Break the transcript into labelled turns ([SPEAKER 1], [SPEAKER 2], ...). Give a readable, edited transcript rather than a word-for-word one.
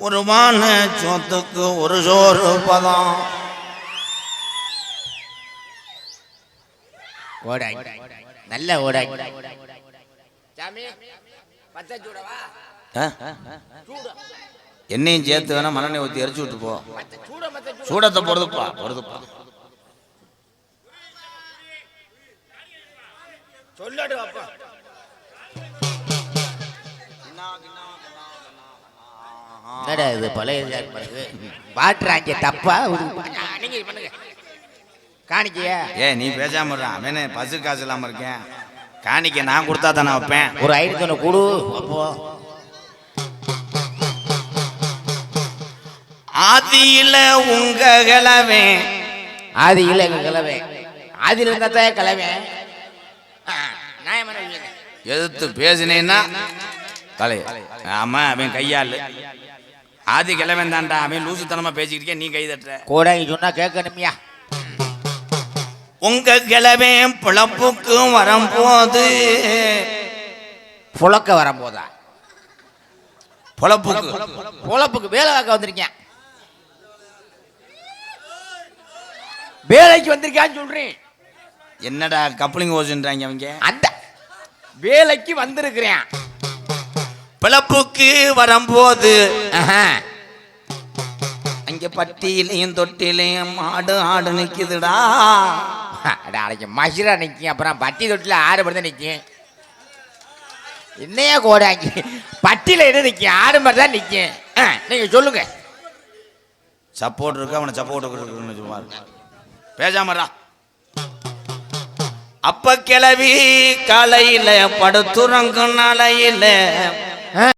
[SPEAKER 1] ஒரு மான சொத்துக்கு ஒரு சோறு பதம்.
[SPEAKER 2] ஓடாய் நல்ல ஓடாய்.
[SPEAKER 1] என்னையும் சேர்த்து வேணா மண்ணெண்ணெய் ஊற்றி எரிச்சு விட்டு போ. சூடத்தை பொறுதுப்பா பொறுதுப்பா.
[SPEAKER 2] சொல்லடு அப்பா. என்னடா இது பழைய பாட்டுறாங்க தப்பா காணிக்கையா?
[SPEAKER 1] நீ பேசாம அவனே பசு காசு இல்லாம இருக்கேன். காணிக்க நான் கொடுத்தா தானே வைப்பேன்.
[SPEAKER 2] ஒரு ஐநூத்தி கொடு. அப்போ
[SPEAKER 1] ஆதியில உங்க கிளவே,
[SPEAKER 2] ஆதியில எங்க கிளவே, ஆதியில இருந்தா கிளவே.
[SPEAKER 1] எதிர்த்து பேசினேன்னா தலை. ஆமா அவன் கையாள் ஆதி கிழவன் தான்டா. அவன் லூசுத்தனமா பேசிக்கிட்டே நீ கை தட்டுற.
[SPEAKER 2] கூட சொன்னா கேட்கணுமியா?
[SPEAKER 1] உங்க கிழவே பிழப்புக்கு வரும்போது,
[SPEAKER 2] புழக்க வரும்போதா? பொழப்புக்கு வேலை பார்க்க வந்திருக்கேன். வேலைக்கு வந்திருக்கான்னு சொல்றேன்.
[SPEAKER 1] என்னடா கப்ளிங் ஓசுன்றாங்க அவங்க.
[SPEAKER 2] அந்த வேலைக்கு வந்திருக்கிறேன்.
[SPEAKER 1] பிழப்புக்கு வரும்போது அங்க பட்டியிலையும் தொட்டிலையும் ஆடு ஆடு நிக்குதுடா.
[SPEAKER 2] நாளைக்கு மசிரா நிற்கும். அப்புறம் பட்டி தொட்டில ஆடு மட்டும் தான் நிற்கும். என்னையா கோடாங்க பட்டியில என்ன நிற்கும்? ஆடு மாதிரி தான் நிற்கும். நீங்க சொல்லுங்க.
[SPEAKER 1] சப்போர்ட் இருக்கு, அவனை சப்போர்ட் சும்மா பேசாமடா. அப்ப கிளவி காலையில படுத்துறங்கும் நாளையில